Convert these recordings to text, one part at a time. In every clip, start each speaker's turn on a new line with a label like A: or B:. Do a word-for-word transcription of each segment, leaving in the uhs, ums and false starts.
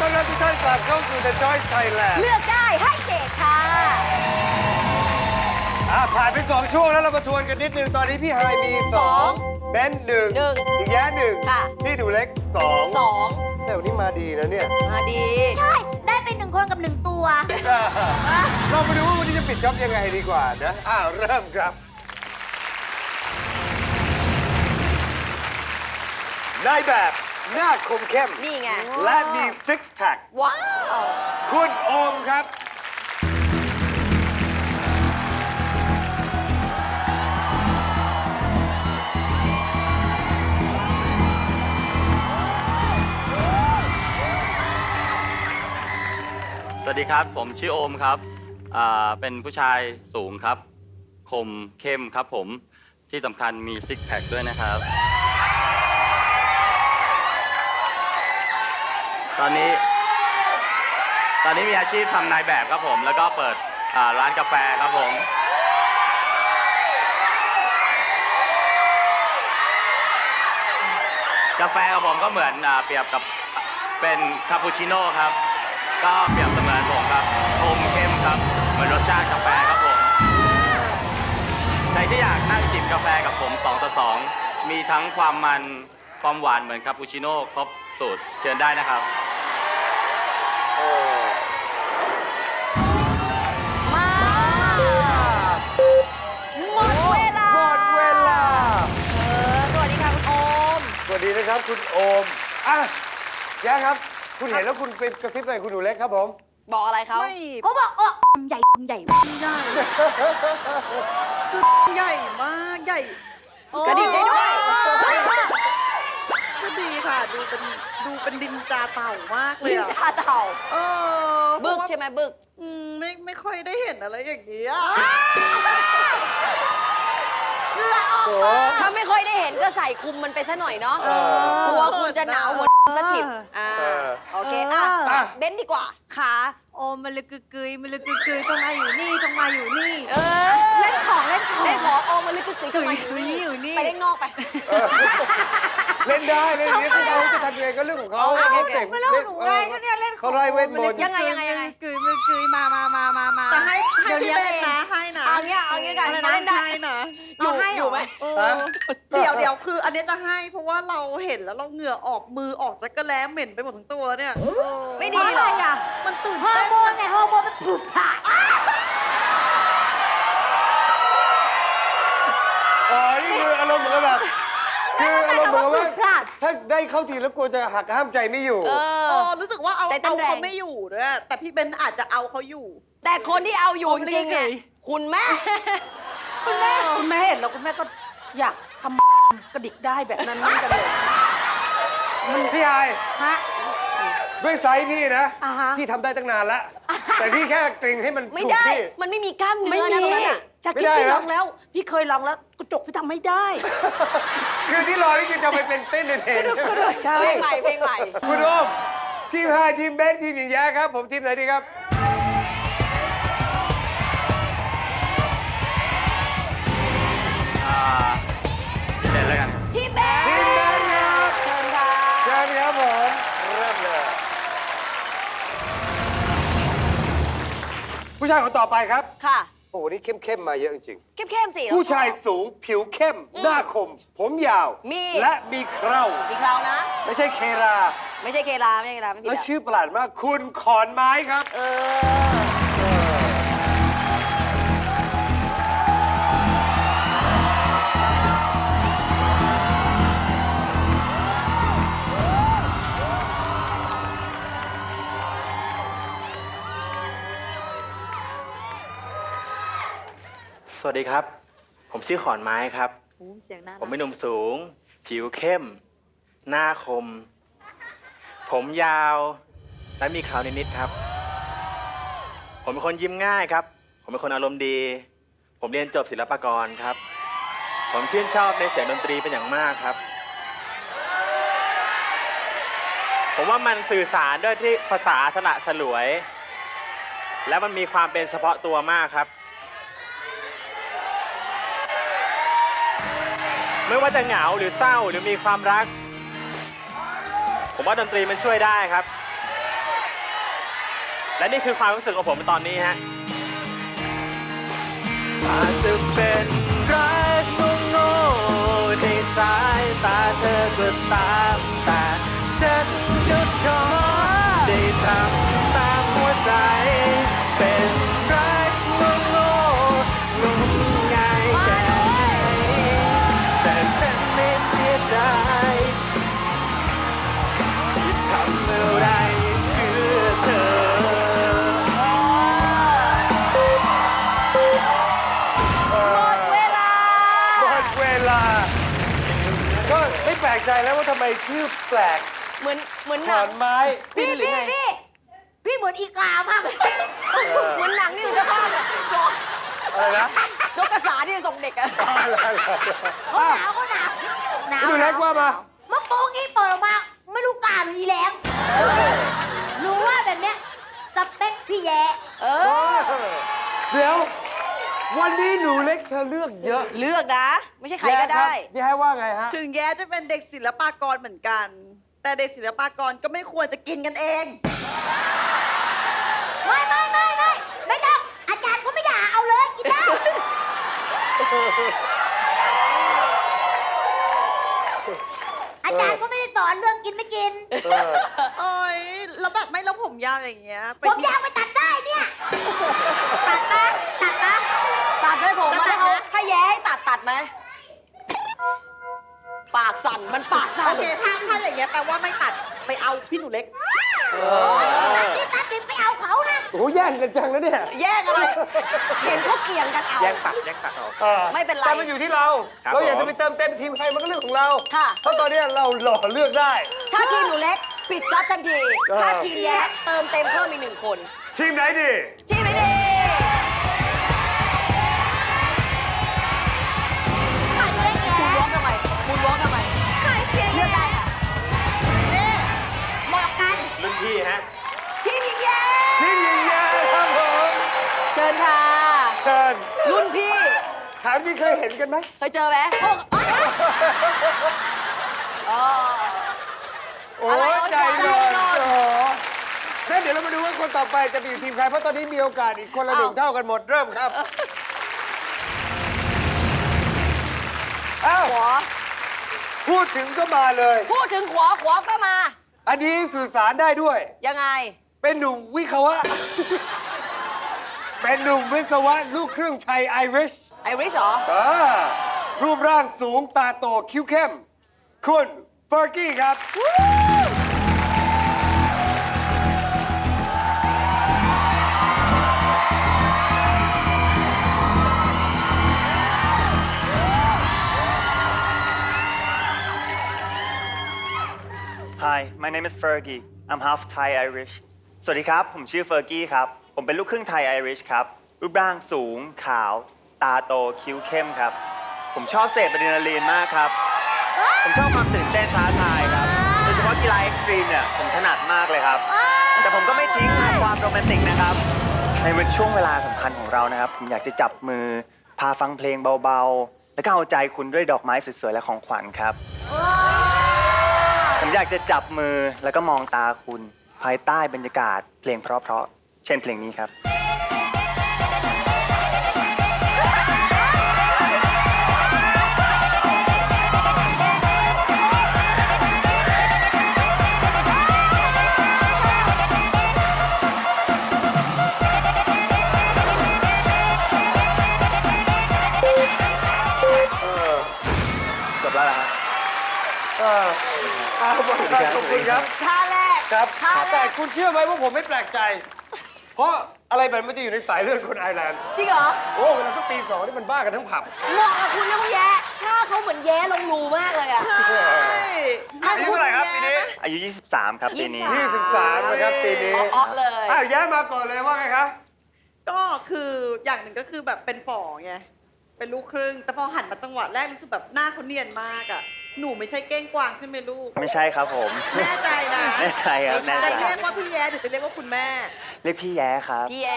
A: ต้อนรับทุกท่านกลับเข้าสู่ The Choice Thailand
B: เลือกได้ให้เขตค่ะ
A: อ่ะผ่านไปสองช่วงแล้วเรามาทวนกันนิดนึง ตอนนี้พี่ไฮมีสองเบนหนึ่ง
B: หนึ่ง
A: อีกแย่หนึ่ง
B: ค่ะ
A: พี่ดูเล็กสอง
B: สอง
A: แต่วันนี้มาดีนะเนี่ย
B: มาดี
C: ใช่ ได้เป็นหนึ่งคนกับหนึ่งตัว
A: เรามาดูว่าวันนี้จะปิดจ็อบยังไงดีกว่านะอ้าวเริ่มครับนายแบบหน้าคมเข้ม
B: นี่ไง
A: และมีซิกแพค
B: ว้าว
A: คุณโอมครับ
D: สวัสดีครับผมชื่อโอมครับอ่าเป็นผู้ชายสูงครับคมเข้มครับผมที่สำคัญมีซิกแพคด้วยนะครับ ตอนนี้ ตอนนี้มีอาชีพทำนายแบบครับผมแล้วก็เปิดอ่าร้านกาแฟครับผมกาแฟของผมก็เหมือนอ่าเปรียบกับเป็นคาปูชิโน่ครับก็เปรียบเสมือนผมครับคมเข้มครับเหมือนรสชาติกาแฟครับผมใครที่อยากนั่งจิบกาแฟกับผมสองต่อสองมีทั้งความมันความหวานเหมือนคาปูชิโน่ครบสูตรเชิญได้นะครับ
B: มาหมดเวลา
A: หมดเวลา
B: เออสวัสดีค่ะคุณโอม
A: สวัสดีนะครับคุณโอมอ่ะแย่ครับ คุณเห็นแล้วคุณไปกระซิบอะไรคุณหนูเล็กครับผม
B: บอกอะไรเขา
E: ไม่
C: ก็บอกเออใหญ่ใหญ่
E: ใหญ่คือใหญ่มากใหญ่
B: กระดิ่งได้ด้วย
E: ก็ดีค่ะ ดูเป็นดูเป็นดินจาเต่ามากเลย
B: ลิน
E: อะ
B: จาเต่า
E: เออ
B: บึกใช่ไหมบึก
E: อืมไม่ไม่ค่อยได้เห็นอะไรอย่างนี้อะ
A: โอ้
B: ถ้าไม่ค่อยได้เห็นก็ใส่คุมมันไปซะหน่อยเนาะ
A: เออ
B: กลัวคุณจะหนาวหัวซะฉิบอ่า
A: เออ
B: โอเคอ่ะ
A: อ่ะ
B: เบ้นดีกว่า
F: ขาโอมมันเลยกึกกึยมันเลยกึกกึยจงมาอยู่นี่จงมาอยู่นี่
B: เออ
F: เล่นของเล่นของ
B: เล่นขอโอมันลึกกึกกึก
F: กึยอยู่นี่อยู่นี่
B: ไปเล่นนอกไป
A: เล่นได้เล่นอย่างนี้ถ้าเขาจะทำยังไงก็เรื่องของเขา
B: โอเค
A: เขา
B: โอเค
A: เจ๋ง
F: ไม่เล่นหนูไงก็เนี่ยเล่นของ
A: เขาไล่เวทมนต์
B: ยังไงยังไงยังไง
F: กึยมันกึยมามามามามา
E: แต่ให้ให้
F: ดี๋ยว
E: พี่
F: ลี้ยง
E: เบน
F: อง
E: นะให้นะ
B: เอาเงี้ยเอาเงี้ยกัน
E: อะไร
B: มา
E: นะ
B: เล่นได้
E: ให้นะ
B: อยู่
F: เอาให้เหรอ
B: อยู่ไหม
E: เออเดี๋ยวเดี๋ยวคืออันนี้จะให้เพราะว่าเราเห็นแล้วเราเหงื่อออกมือออกจักระแล้เหม็นไปหมดทั้งตัวแล้วเนี่ย
B: ไม่
F: เพ
B: ดี
F: ราะ
B: ห
F: อะ
B: ร
F: ไร
B: อ
F: อ่ะ
E: มันตื่น
C: ฮอ
E: เต้
C: ร์
E: น
C: โมนไงฮอร์โมนมันผุดผ่าน
A: อ๋อนี่คืออารมณ์เหมือนกับแบบคืออารมณ์เหมือนกับว่า
C: พลาด
A: ถ้าได้เข้าทีแล้วกลัวจะหักห้ามใจไม่อยู่
B: เอ
E: เอ
B: อ
E: อรู้สึกว่าเอา
B: ใจเต้
E: เอา
B: นแรง
E: เขาไม่อยู่ด้วยแต่พี่เบนอาจจะเอาเขาอยู่
B: แต่คนที่เอาอยู่จริงๆเนี่ยคุณแม่
F: คุณแม่คุณแม่เห็นแล้วคุณแม่ก็อยากทำกระดิกได้แบบนั้นเหมือนกันเลย
A: พี่ไฮ
F: ฮะ
A: ด้วยไซส์พี่นะ
F: อ่าฮะ
A: พี่ทำได้ตั้งนานแล้ว แต่พี่แค่เกรงให้มัน
B: ไม่
A: ถูก
B: ได้
A: ที่
B: มันไม่มีกล้ามเนื้
F: ไม่
B: อนะ
F: มี
B: ตรงนั้นอ่ะ
F: จะ
A: ไม่
F: คิด
A: ได้
F: พี่
A: นะ
F: ลองแล้ว พี่เคยลองแล้วกระจกพี่ทำไม่ได้
A: คือที่รอนี่คือจะไปเป็นเต้นเด่นๆใช่ไหม
F: ใช่
B: เพลงใหม่เพลงใหม่
A: คุณโอมทีมไฮทีมเบนทีมหญิงแย้ครับ ผมทีมไหนดีครับ
D: อ่าพี่เบนแล้วกัน
B: ชีเบ้
A: ทีมเบนครับ
B: เชิญค่ะ
A: เชิญครับผมเริ่มเลย ผู้ชายคนต่อไปครับ
B: ค่ะ
A: โอ้โหนี่เข้มๆมาเยอะจริง
B: เข้มๆสิ
A: ๆผู้ชายสูงผิวเข้ม หน้าคม ผมยาว
B: มี
A: และมีเครา
B: มีคราวนะ
A: ไม่ใช่เครา
B: ไม่ใช่เคลาไม่ใช่เคลาไม่ผิด
A: แล้ว
B: อะ
A: ชื่อประหลาดมาก คุณขอนไม้ครับ
B: เออ
G: สวัสดีครับ ผมชื่อขอนไม้ครับ
F: เสียงน่า
G: ผมเป็นหนุ่มสูง ผิวเข้ม หน้าคม ผมยาว และมีขาวนิดๆครับ ผมเป็นคนยิ้มง่ายครับ ผมเป็นคนอารมณ์ดี ผมเรียนจบศิลปากรครับ ผมชื่นชอบในเสียงดนตรีเป็นอย่างมากครับ ผมว่ามันสื่อสารด้วยที่ภาษาสละสลวย และมันมีความเป็นเฉพาะตัวมากครับ ไม่ว่าจะเหงาหรือเศร้าหรือมีความรัก ผมว่าดนตรีมันช่วยได้ครับและนี่คือความรู้สึกของผมในตอนนี้ฮะอาจจะเป็นรักโง่ๆในสายตาเธอก็ตามแต่ฉันก็ขอได้ทำตามหัวใจ เป็นรักโง่ๆงมงายแค่ไหนแต่ฉันไม่เสียดายที่ทำอะไรเพื่อเธอ
B: หมดเวลา
A: หมดเวลา ก็ไม่แปลกใจแล้วว่าทำไมชื่อแปลก
B: เหมือนเหมือน
A: ข
B: หนั
A: อง นไม้
C: พี่พี่พี่พี่เหมือนอีกามาก
B: เหมือนหนังนี่อยู่จะภาพสตรอง
A: อะไรนะ
B: นกกระสาที่ส่งเด็กอะ
A: อะไรอะไร
C: เขาหนาวเขาหนาวหนาว
A: ดูเล็กว่ามา
C: มะโป้งงี้เปิดออกมา ไม่รู้กาหรืออีแหลมหนูว่าแบบเนี้ยสเปคพี่แย่
B: เออ
A: เดี๋ยว วันนี้หนูเล็กเธอเลือกเยอะ
B: เลือกนะ ไม่ใช่ใครก็ได้
A: แย่ว่าไงฮะ
E: ถึงแย้จะเป็นเด็กศิลปากรเหมือนกัน แต่เด็กศิลปากรก็ไม่ควรจะกินกันเอง
C: ไม่ไม่ไม่ไม่ไม่ต้องอาจารย์ก็ไม่ด่าเอาเลยกินได้ อาจารย์ก็ไม่ได้สอนเรื่องกินไม่กิน
E: โอ้ยแล้วแบบไม่แล้วผมยาวอย่างเงี้ยไป
C: ผม
E: ที่
C: ยาวไปตัดได้เนี่ย ตัดนะตัดนะ
B: ตัดด้วยผม
C: จะตั
B: มา
C: ด
B: ถ้าเขา
C: นะ
B: ถ้าแย้ให้ตัดตัดไหม ปากสั่น มันปากสั่
E: โอน เคถ้าถ้าอย่างเงี้ยแปลว่าไม่ตัดไปเอาพี่หนูเล็ก
C: ตัดดิตัดดิไปเอาเขานะ
A: โอ้โหแย่งกันจังแล้วเนี่ย
B: แย่งอะไร เห็นเขาเกี่ยงกันเอา
G: แย่งตัดแย่งตัดออก
A: ออ
B: ไม่เป็นไร
A: แต่มันอยู่ที่เรา
G: ครับ
A: เราอยาก
G: ผม
A: จะไปเติมเต็มทีมใครมันก็เรื่องของเรา
B: ค่ะ
A: เพราะตอนนี้เราหล่อเลือกได้
B: ถ้าทีมหนูเล็ก ปิดจ็อบทันที
A: เออ
B: ถ้าทีมแย้เติมเต็มเพิ่มอีกหนึ่งคน
A: ทีมไหนดี
B: ทีมไหนดีมูนวอล์กทำไมมูนวอล์กทำไม เลือกได้ค่ะ
C: เหมาะกัน
G: รุ่นพี่ฮะ
B: ทีมหญิงแย้
A: ทีมหญิงแย่ครับผม
B: เชิญค่ะ
A: เชิญ
B: รุ่นพี่
A: ถามที่เคยเห็นกันไหม
B: เคยเจอไหมพวกอ๋อ
A: โอ้
B: อะไร
A: ย
B: เอา
A: ใจ
B: ใจ
A: ร้อน
B: ร้อน
A: โอ้โหงั้นเดี๋ยวเรามาดูว่าคนต่อไปจะไปอยู่ทีมใคร เพราะตอนนี้มีโอกาสอีกคนละหนึ่ง
B: เอา
A: เท่ากันหมดเริ่มครับ อ้าว
B: ขวา
A: พูดถึงก็มาเลย
B: พูดถึงขวาขวาก็มา
A: อันนี้สื่อสารได้ด้วย
B: ยังไง
A: เป็นหนุ่มวิศวะ เป็นหนุ่มวิศวะลูกครึ่งไทยไอริช
B: ไอริชเหรอ
A: อ่ารูปร่างสูงตาโตคิ้วเข้ม คุณเฟอร์กี้ครับ
H: Hi, my name is Fergie. I'm half Thai Irish. สวัสดีครับ ผมชื่อเฟอร์กี้ครับ ผมเป็นลูกครึ่งไทยไอริชครับ รูปร่างสูง ขาว ตาโต คิ้วเข้มครับ ผมชอบเสพอะดรีนาลีนมากครับ ผมชอบความตื่นเต้นท้าทายครับ โดยเฉพาะกีฬาเอ็กซ์ตรีมเนี่ย ผมถนัดมากเลยครับ แต่ผมก็ไม่ทิ้งความโรแมนติกนะครับ ในช่วงเวลาสำคัญของเรานะครับ ผมอยากจะจับมือ พาฟังเพลงเบาๆ แล้วก็เอาใจคุณด้วยดอกไม้สวยๆ และของขวัญครับ ผมอยากจะจับมือแล้วก็มองตาคุณ ภายใต้บรรยากาศเพลงเพราะๆ เช่นเพลงนี้ครับ จบแล้วเหรอครับ
A: เออเอาหมดแล้วขอบคุณครับ
B: ท่าแรก
A: ครับ
B: ท่าแร
A: แต่
B: ก
A: คุณเชื่อไหมว่าผมไม่แปลกใจ เพราะอะไรแบบมันจะอยู่ในสายเลือดคนไอร์แลนด์
B: จริงเหรอ
A: โอ้เวลาสักตีสองนี่มันบ้ากันทั้งผับ
B: เหมาะกับคุณนะคุณแย้ถ้าเขาเหมือนแย้ลงรูมากเลยอะ
E: ใช่
A: อายุเท่าไหร่ครับปีนี้
H: อายุ ยี่สิบสาม ครับปีนี้
B: ยี่
A: ยี่
B: สิ
A: สิ
B: บบ สา
A: สาม มนะครับปีนี้
B: อ๊อกๆเลย
A: อ้าวแย้มมาก่อนเลยว่าไงคะ
E: ก็คืออย่างหนึ่งก็คือแบบเป็นฝ่อไง เป็นลูกครึ่ง แต่พอหันมาจังหวะแรกรู้สึกแบบหน้าเขาเนียนมากอ่ะ หนูไม่ใช่เก้งกวางใช่ไหมลูก
H: ไม่ใช่ครับผม
E: แน่ใจนะ
H: แน่ใจครับแน่ใจ
E: จะเรียกว่าพี่แย้หรือจะเรียกว่าคุณแม่
H: เรียกพี่แย้ครับ
B: พี่แย้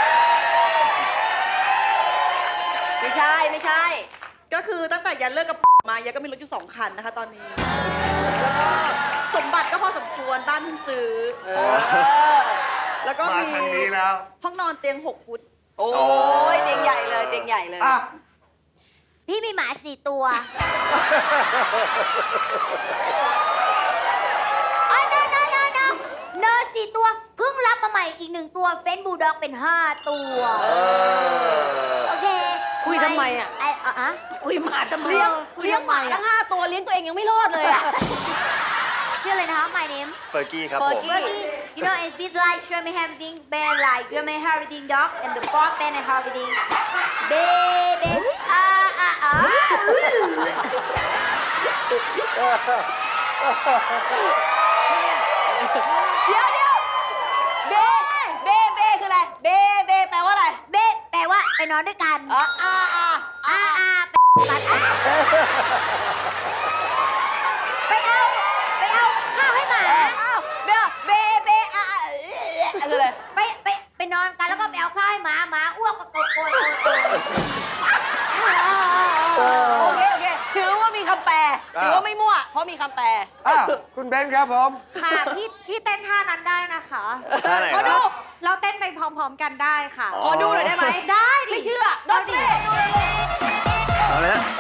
B: ไม่ใช่ไม่ใช่
E: ก็คือตั้งแต่แย้เลิกกับมาเยอะก็มีรถอยู่สองคันนะคะตอนนี้ แล้วก็สมบัติก็พอสมควรบ้านเพิ่งซื้อ แล้วก็
A: มา
E: มี
A: ทางนี้แล้ว
E: ห้องนอนเตียงหกฟุต
B: โอ้ยเตียงใหญ่เลยเตียงใหญ่เลย
A: อ่ะ
C: พี่มีหมาสี่ตัวอ๋อ no no no no no สี่ตัว เพิ่งรับมาใหม่อีกหนึ่งตัว เฟนบูลด็อกเป็นห้าตัว โอเค
F: คุยทำไมอะ
C: ไออ่ะอะ
F: คุยหมาทำไม
B: เลี้ยง
F: คุ
B: เลี้ยงหมา
F: ทำไอะ
B: ทั้งห้าตัวเลี้ยงตัวเองยังไม่รอดเลยอะ
C: ชื่ออะไรนะคะ my name
H: เฟอร์กี้ครับผม
B: Fergie
C: Bertie you know it's bit like German having bear like German having dog and the dog bear and having baby อ่าอ่าอ่า
B: เดี๋ยวเดี๋ยวเบเบเบคืออะไรเบเบแปลว่าอะไร
C: เบแปลว่าไปนอนด้วยกัน
B: อ๋ออ่าอ่า
C: อ่าอ่าไปปัดอ่ะไปเอาไปเอาข้าวให้หมา
B: อ้าวเดี๋ยวเบเบอ่าอ่าคืออะไร
C: ไปไปไปนอนกันแล้วก็ไปเอาข้าวให้หมาหมาอ้วกก็โกยโกยโกยโกย
B: โอเคโอเคถือว่ามีคำแปลถือว่าไม่มั่วเพราะมีคำแปล
A: อ่ะคุณเบนซ์ครับผม
C: ค่ะพี่พี่เต้นท่านั้นได้นะคะ
H: ท่าไหน
B: ขอ
H: ค
B: ดู
H: รับ
C: เราเต้นไปพร้อมๆกันได้ค่ะ
B: ขอดูหน่อยได้ไหม
C: ได้ดิ
B: ไม่เชื่อดนตรี
H: เอาเลยฮะ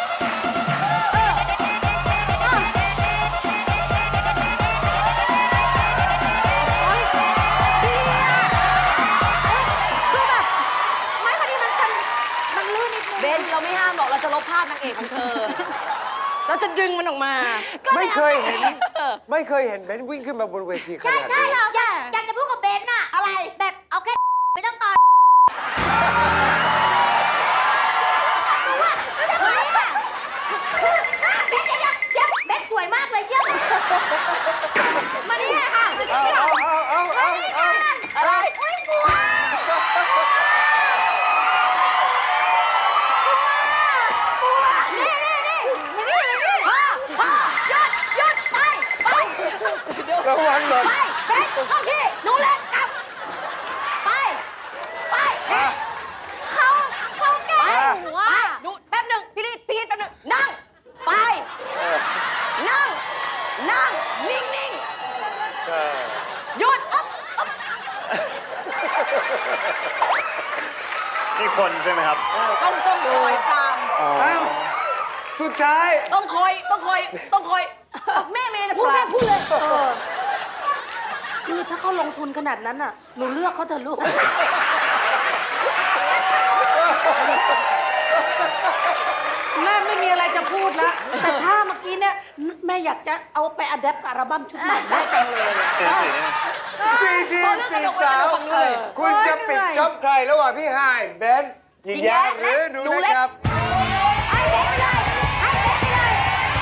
C: ไม่พอดีมันมันมันลื่นนิดนึง
B: เบนเราไม่ห้ามหรอกเราจะลบภาพนางเอกของเธอ เราจะดึงมันออกมา
A: ไม่เคยเห็น ไม่เคยเห็นเบนซ์วิ่งขึ้นมาบนเวทีข
C: ใช่
A: นาด
C: ใช่
A: นี้
C: เราอยากอยากจะพูดกับเบนน่ะ
B: อะไร
C: แบบเอาแค่ไม่ต้องตอนว่ารู้จักไหมอ่ะเบนเดี๋ยวเดี๋ยวเบนสวยมากเลยเชื่อมานี่ค่ะ
A: เอาเอาเอาเอาเอาเอา
B: อะไร
C: อุ้ยกลัวนี่นี่นี่มานี่มานี่
B: พ่อพ่อหยุดหยุดไปไปเดี๋ยว
A: ระวังหน่อย
B: ไปเบนเข้าที่หนูเล็กกลับ ไปไป
A: อ่ะ
C: เขาเขาแกล้งหนู
B: ไป
C: อ่ะ
B: ดูแป๊บหนึ่งพี่ลีดพี่ลีดแป๊บหนึ่งนั่ง ไป นั่ง นั่ง นิ่งนิ่ง
A: เออ
B: หยุดอ๊อบอ๊อบ
H: นี่คนใช่ไหมครับ
B: ต้องต้องคอยตาม
H: อ๋อ
A: เอ้าสุดท้าย
B: ต้องคอย ต้องคอย ต้องคอยแม่เมย์จะพูดแม่พูดเลย
F: เออคือถ้าเขาลงทุนขนาดนั้นน่ะ หนูเลือกเขาเถอะลูก แม่ไม่มีอะไรจะพูดแล้ว แต่ถ้าเมื่อกี้เนี่ยแม่อยากจะเอาไปอัดแอปอัลบั้มชุดใหม่แม่จังเลย
H: เปลี่ยนสีได้ไหม
A: สี่ที
B: พอ
A: ม
B: เรื่องก
A: สี่
B: ระดกไป
A: สาก
B: ระด
A: ว
B: กฝั่งนู้นเลย
A: คุณจะปิดจ็อบใครระหว่างพี่ไฮายเบนซ์หญิงแย้หรือหนูเล็กครับ
C: ให้เบนไปเลยให้เบนไปเลย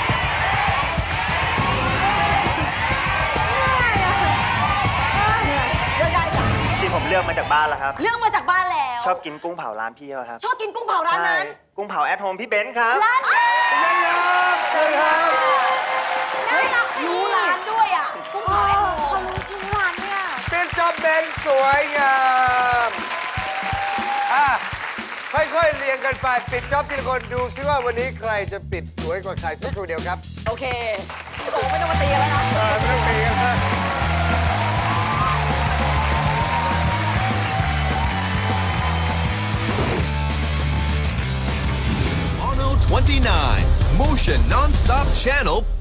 B: เลือกได้จ้ะ
H: จริงๆผมเลือกมาจากบ้านแล้วครับ
B: เลือกมาจากบ้านแล้ว
H: ชอบกินกุ้งเผาร้านพี่เขาครับ
B: ชอบกินกุ้งเผาร้านนั้น
H: ใช่กุ้งเผาแอทโฮมพี่เบนซ์ครับ
B: ร้าน
A: เชิญครับ
B: เฮ้ยรู้ร้านด้วยอ่ะกุ้งเผาแอทโฮม
C: ทุกวันเนี่ย
A: ปิดจ็อบเบนซ์สวยงามอ่ะค่อยๆเรียงกันไปปิดจ็อบทีละคนดูซิว่าวันนี้ใครจะปิดสวยกว่าใครสักครู่เดียวครับ
B: โอเคโอ้ไม่ต้องมาตีกันแล้วนะ
A: เออไม่ต้องตีกันนะ
I: Mono twenty-nine, Motion Non-Stop Channel